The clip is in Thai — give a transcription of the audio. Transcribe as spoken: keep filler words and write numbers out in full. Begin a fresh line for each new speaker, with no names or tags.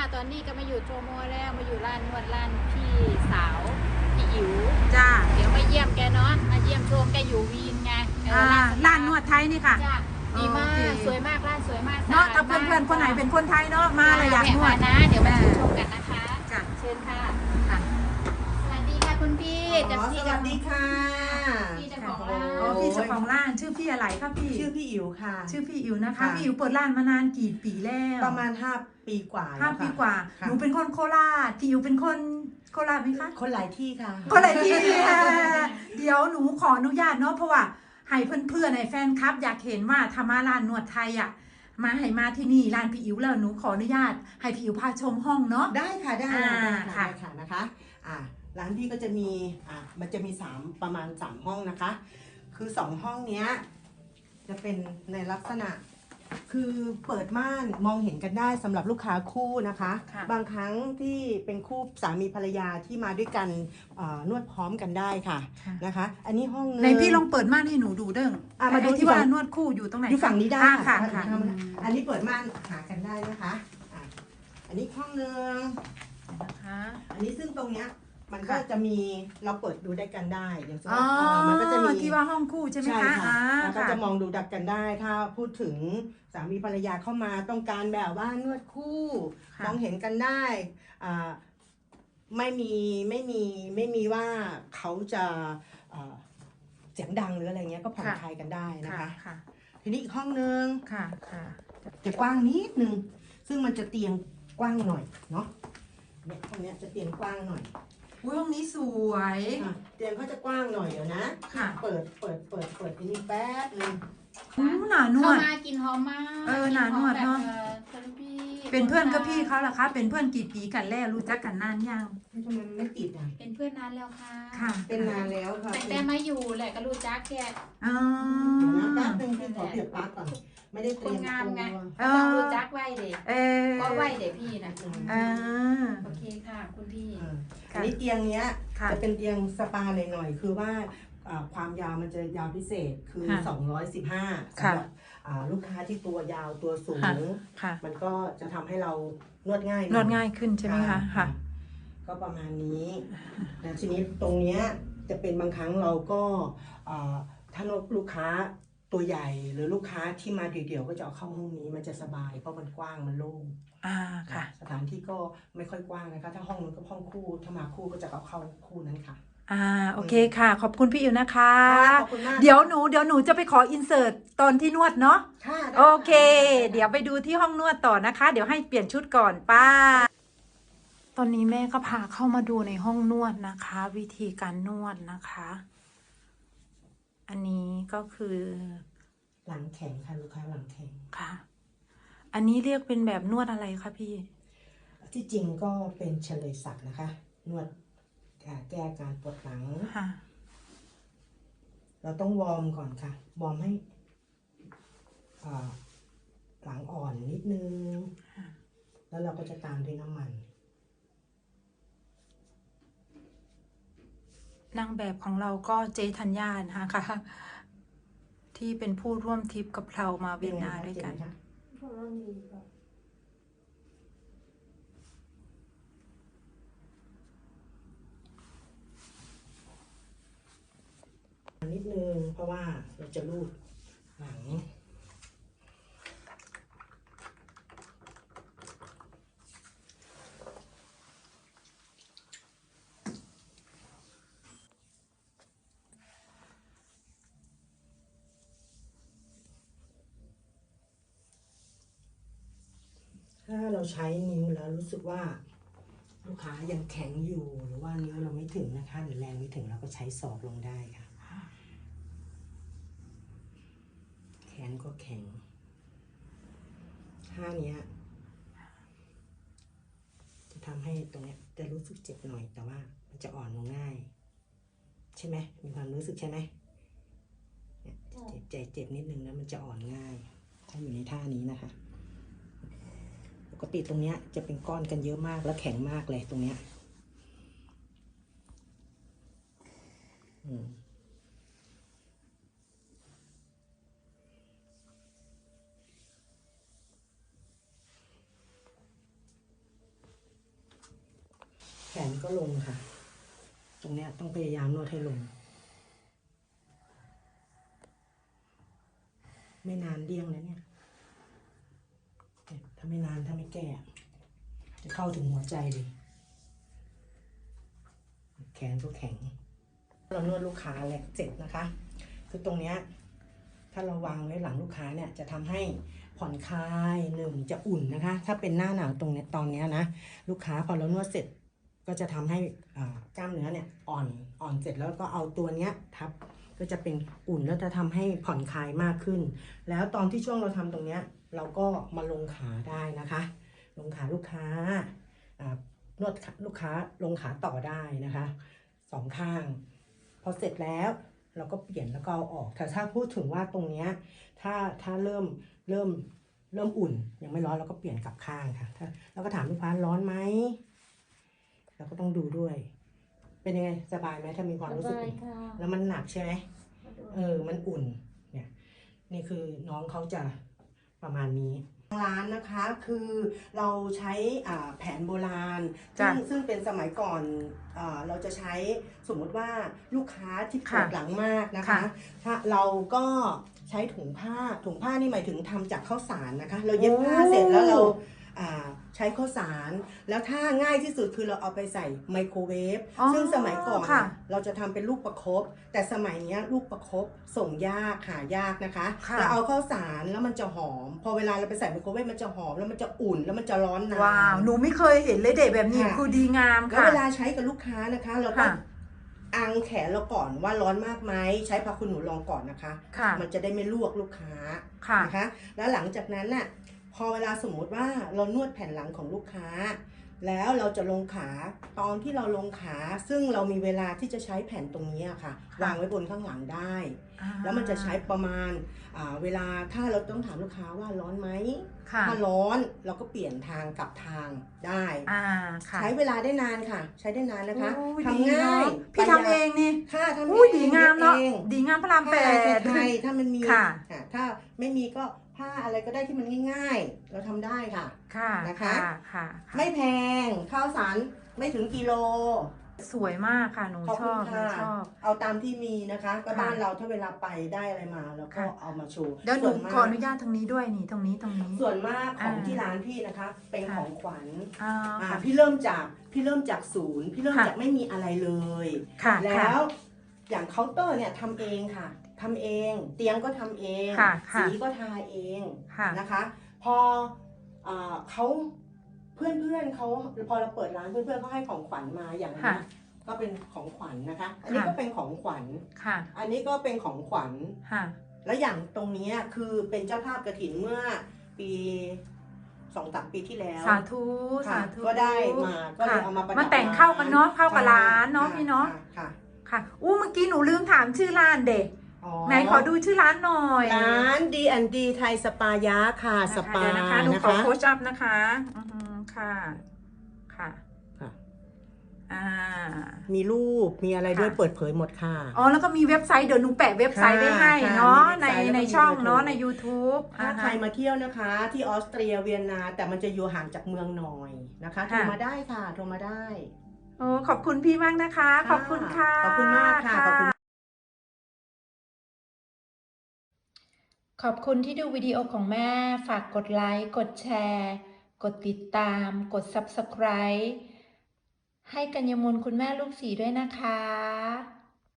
ตอนนี้ก็มาอยู่โจโมแล้วมาอยู่ร้านนวดร้านพี่สาวพี่อิ๋ว
จ้า
เดี๋ยวมาเยี่ยมแกเนาะมาเยี่ยมชมแกอยู่วีนไงเอ
อ่า
อ
ร้านนวดไทยนี่ค่ะ
จ้ะดีมา
โอเค
กสวยมากร้านสวยมาก
เนาะ
สะ
ถ้า
ด
เพื่อนๆคนไหน
มาก
เป็นคนไทยเนาะมาเลยอยากนวด
แนะนะเดี๋ยวมาชมกันนะคะ
จ้ะ
เชิญค่ะ
ค่ะ
สวัสดีค่ะคุณพี่
อ๋
จะ
อ
พี่
สวัสดีค่ะ
พี่เจ้าของร้าน
อ๋อพี่เจ้าของร้านชื่อพี่อะไรคะพี่
ชื่อพี่อิ๋วค่ะ
ชื่อพี่อิ๋วนะคะ
ค่ะ
พี่อิ๋วเปิดร้านมานานกี่ปีแล้ว
ประมาณห้าปีกว่า
ห้า
แล้วค่ะ
ปีกว่า
ค่ะ
หนูเป็นคนโคราชพี่อิ๋วเป็นคนโคราชไหมคะ
คนหลายที่ค่ะ
คนอะไรที่ เดี๋ยวหนูขออนุญาตเนาะเพราะว่าให้เพื่อนๆในแฟนคลับ อยากเห็นว่าทามาร้านนวดไทยอ่ะมาให้มาที่นี่ร้านพี่อิ๋วแล้วหนูขออนุญาตให้พี่อิ๋วพาชมห้องเนาะ
ได้ค่ะได้
อ่า
ได้
ค่ะ
ค่ะได้ค่ะนะคะอ่าร้านพี่ก็จะมีอ่ามันจะมีสามประมาณสามห้องนะคะ คือสองห้องเนี้ยจะเป็นในลักษณะ คือเปิดม่านมองเห็นกันได้สำหรับลูกค้าคู่นะคะ
ค่ะ
บางครั้งที่เป็นคู่สามีภรรยาที่มาด้วยกันเอ่อนวดพร้อมกันได้ค่ะ
ค่ะ
นะคะ อันนี้ห้องนึง
ในพี่ลองเปิดม่านให้หนูดูเด้ง
อ่ะมาดู
ไอ้
ที่
ที่ว่า
ฝั่ง
นวดคู่อยู่ตรงไหน
อยู่ฝั่งนี้ได้
อ่า
ค่ะ
ค่ะค่ะ
ทำอันนี้เปิดม่านหากันได้นะคะอ่ะอันนี้ห้องนึง
นะคะ
อันนี้ซึ่งตรงเนี้ยมันก็
ค่ะ
จะมีเราเปิดดูได้กันได้อย่างเช่น
อ๋อ
มันก็จะมี
ที่ว่าห้องคู่ใช่ไหม
ใช่
คะ
ค่ะ
อ่า
แล้วก็
ค่ะ
จะมองดูดักกันได้ ถ้าพูดถึงสามีภรรยาเข้ามาต้องการแบบว่านวดคู่
ค่ะ
มองเห็นกันได้อ่าไม่มีไม่มีไม่มีว่าเขาจะอ่าเสียงดังหรืออะไรเงี้ยก็ผ่อนคลายกันได้นะ
ค่ะ
คะ
ค่ะ
ทีนี้อีกห้องนึง
ค่ะค่ะ
จะกว้างนิดนึง ซึ่งมันจะเตียงกว้างหน่อยเนาะเนี่ยห้องเนี้ยจะเตียงกว้างหน่อย
อุ้ยห้องนี้สวย
อ่ะเตียงเขาจะกว้างหน่อยเดี๋ยวนะ
ค่ะ
เปิดเปิดเปิดเปิดอันนี้แป๊บนึง
อู้หนาน
เข้าว
ด
มากินหอมมาก
เออหนานวดเนอะ
กิหอมแบบออพี่
เป็นเพื่อนกับพี่เขาเหรอคะ เป็นเพื่อนกี่ปีกันแล้วรู้จักกันนานยัง
ทำไมมันไม่ติดอ่ะ
เป็นเพื่อนนานแล้วค่ะ
ค่ะ
เป็นนานแล้วค่ะ
แต่แต่มาอยู่แหละก็รู้จักแก
อ๋อ
เดี๋ยวนะแป๊บนึงพี่ขอเปลี่ยนปลั๊กก่อน ไม่ได้เตรียม
คนงามไง
ตัว
เอ
ต้อง
อ
รู้จักไว้เด็ก
เออ
ก็ไว้เด็กพี่นะ
อ่า
โอเคค่ะคุณพี่
เอออันนี้เตียงเนี้ย
ค่ะ
จะเป็นเตียงสปาหน่อยๆคือว่าอ่าความยาวมันจะยาวพิเศษคือ
ค่ะ
สองร้อยสิบห้า
ค่ะ
สำหรับอ่าลูกค้าที่ตัวยาวตัวสู
ค่ะ
ง
ค่ะ
มันก็จะทำให้เรานวดง่ายห
นวดง่ายขึ้นใช่ไหมคะค่ะ
ก็ประมาณนี้แล้วทีนี้ตรงเนี้ยจะเป็นบางครั้งเราก็อ่าถ้าลูกค้าตัวใหญ่หรือลูกค้าที่มาเดี่ยวๆก็จะเอาเข้าห้องนี้มันจะสบายเพราะมันกว้างมันโล่ง
อ่าค่ะ
สถานที่ก็ไม่ค่อยกว้างนะคะถ้าห้องนู้นก็ห้องคู่ถ้ามาคู่ก็จะเอาเข้าคู่นั้นค่ะ
อ่าโอเคค่ะ ขอบคุณพี่อิ๋วนะคะ
ขอบคุณมาก
เดี๋ยวหนูเดี๋ยวหนูจะไปขออินเสิร์ตตอนที่นวดเนาะ
ค่ะได้
โอเค
ค่ะ
เดี๋ยวไปดูที่ห้องนวดต่อนะคะ เดี๋ยวให้เปลี่ยนชุดก่อนป้า ตอนนี้แม่ก็พาเข้ามาดูในห้องนวดนะคะ วิธีการนวดนะคะ อันนี้ก็คือ
หลังแข็งค่ะลูกค้าหลังแข็ง
ค่ะ อันนี้เรียกเป็นแบบนวดอะไรคะพี่
ที่จริงก็เป็นเฉลยศักดิ์นะคะ นวดอ่าแก้อาการปวดหลัง
ค่ะ
เราต้องวอร์มก่อนค่ะ วอร์มให้อ่าหลังอ่อนนิดนึง แล้วเราก็จะตามด้วยน้ำมัน
นางแบบของเราก็เจธัญญานะคะ ที่เป็นผู้ร่วมทริปกับเรามาเวียนนาด้วยกัน
เจ็บไหมคะนิดนึงเพราะว่าเราจะรูดหลัง ถ้าเราใช้นิ้วแล้วรู้สึกว่าลูกค้ายังแข็งอยู่หรือว่านิ้วเราไม่ถึงนะคะหรือแรงไม่ถึงเราก็ใช้ศอกลงได้ค่ะแขนก็แข็งท่าเนี้ยจะทำให้ตรงเนี้ยจะรู้สึกเจ็บหน่อยแต่ว่ามันจะอ่อนลงง่ายใช่ไหมมีความรู้สึกใช่ไหมเนี่ยเจ็บใจเจ็บนิดนึงแล้วมันจะอ่อนง่ายถ้าอยู่ในท่านี้นะคะปกติตรงเนี้ยจะเป็นก้อนกันเยอะมากแล้วแข็งมากเลยตรงเนี้ยอืมนก็ลงค่ะ ตรงเนี้ยต้องพยายามนวดให้ลง ไม่นานเดี้ยงแล้วเนี่ยเนี่ยถ้าไม่นานถ้าไม่แก้จะเข้าถึงหัวใจเลยแขนก็แข็งเรานวดลูกค้าแหลกเจ็บนะคะคือตรงเนี้ยถ้าเราวางไว้หลังลูกค้าเนี่ยจะทำให้ผ่อนคลายหนึ่งจะอุ่นนะคะ ถ้าเป็นหน้าหนาวตรงเนี้ยตอนเนี้ยนะลูกค้าพอเรานวดเสร็จก็จะทำให้กล้ามเนื้อเนี่ยอ่อนอ่อนเสร็จแล้วก็เอาตัวเนี้ยทับก็จะเป็นอุ่นแล้วจะทำให้ผ่อนคลายมากขึ้นแล้วตอนที่ช่วงเราทำตรงเนี้ยเราก็มาลงขาได้นะคะลงขาลูกค้านวดลูกค้าลงขาต่อได้นะคะสองข้างพอเสร็จแล้วเราก็เปลี่ยนแล้วก็เอาออกแต่ถ้าพูดถึงว่าตรงเนี้ยถ้าถ้าเริ่มเริ่มเริ่มอุ่นยังไม่ร้อนเราก็เปลี่ยนกลับข้างค่ะถ้าเราก็ถามลูกค้าร้อนไหมเราก็ต้องดูด้วยเป็นยังไงสบายไหมถ้ามีความรู้สึกแล้วมันหนักใช่ไหมเออมันอุ่นเนี่ยนี่คือน้องเขาจะประมาณนี้ร้านนะคะคือเราใช้แผนโบราณซึ่งซึ่งเป็นสมัยก่อนเราจะใช้สมมติว่าลูกค้าที่ปวดหลังมากนะคะถ้าเราก็ใช้ถุงผ้าถุงผ้านี่หมายถึงทำจากข้าวสารนะคะเราเย็บผ้าเสร็จแล้วเราใช้ข้าวสารแล้วถ้าง่ายที่สุดคือเราเอาไปใส่ไมโครเวฟซึ่งสมัยก่อนเราจะทำเป็นลูกประคบแต่สมัยนี้ลูกประคบส่งยากหายากนะคะเราเอาข้าวสารแล้วมันจะหอมพอเวลาเราไปใส่ไมโครเวฟมันจะหอมแล้วมันจะอุ่นแล้วมันจะร้อนนาน
ว้าวหนูไม่เคยเห็นเลยเด็กแบบนี้คือดีงามค่ะ
แล้วเวลาใช้กับลูกค้านะคะเราก็อังแขนเราก่อนว่าร้อนมากไหมใช้ผ้าคุณหนูลองก่อนนะคะมันจะได้ไม่ลวกลูกค้านะคะแล้วหลังจากนั้นน่ะพอเวลาสมมุติว่าเรานวดแผ่นหลังของลูกค้าแล้วเราจะลงขาตอนที่เราลงขาซึ่งเรามีเวลาที่จะใช้แผ่นตรงนี้ค่ะวางไว้บนข้างหลังได้แล้วมันจะใช้ประมาณเวลาถ้าเราต้องถามลูกค้าว่าร้อนไหมถ้าร้อนเราก็เปลี่ยนทางกลับทางได้ใช้เวลาได้นานค่ะใช้ได้นานนะคะทำง่าย
พี่ทำเองนี่
ค่ะทำ
เองดีงามเนาะดีงามพระรามแปด
ไทยถ้ามันมีถ้าไม่มีก็ผ้าอะไรก็ได้ที่มันง่ายๆเราทำได้ค่ะ
ค่ะ
นะคะไม่แพงข้าวสารไม่ถึงกิโล
สวยมากค่ะหนูชอบหนูชอบ
เอาตามที่มีนะคะก็บ้านเราถ้าเวลาไปได้อะไรมาแล้วก็เอามาโชว์
เดี๋ยวหนูขออนุญาตตรงนี้ด้วยนี่ตรงนี้ตรงนี้
ส่วนมากของที่ร้านพี่นะคะเป็นของขวัญพี่เริ่มจากพี่เริ่มจากศูนย์พี่เริ่มจากไม่มีอะไรเลยแล้วอย่างเคาน์เตอร์เนี่ยทำเองค่ะทำเองเตียงก็ทำเองสีก็ทาเองนะคะพอเขาเพื่อนเพื่อนเขาพอเราเปิดร้านเพื่อนเพื่อนเขาให้ของขวัญมาอย่างนี้ก็เป็นของขวัญนะคะอันนี้ก็เป็นของขวัญอันนี้ก็เป็นของขวัญแล้วอย่างตรงนี้คือเป็นเจ้าภาพกฐินเมื่อปีสองสามปีที่แล้ว
สาธุสาธุ
ก็ได้มาก็เลยเอามาประดับ
มาแต่งเข้ากันเนาะเข้ากับร้านเนาะพี่เนาะค่ะค่ะอู้เมื่อกี้หนูลืมถามชื่อร้านเด็กไหนขอดูชื่อร้านหน่อย
ร้าน ดี แอนด์ ดี ไทยสปายะค่ะสปา
นะคะหนูขอโค้ชอัพนะคะค่ะค่ะอ่า
มีรูปมีอะไรด้วยเปิดเผยหมดค่ะ
อ๋อแล้วก็มีเว็บไซต์เดี๋ยวหนูแปะเว็บไซต์ไว้ให้เนาะในในช่องเนาะใน ยูทูบ
ถ้าใครมาเที่ยวนะคะที่ออสเตรียเวียนนาแต่มันจะอยู่ห่างจากเมืองหน่อยนะคะโทรมาได้ค่ะโทรมาได้
โอ้ขอบคุณพี่มากนะคะขอบคุณค่ะ
ขอบคุณมากค่ะขอบคุณ
ขอบคุณที่ดูวิดีโอของแม่ฝากกดไลค์กดแชร์กดติดตามกด ซับสไครบ์ ให้กัญญมลคุณแม่ลูกสีด้วยนะคะ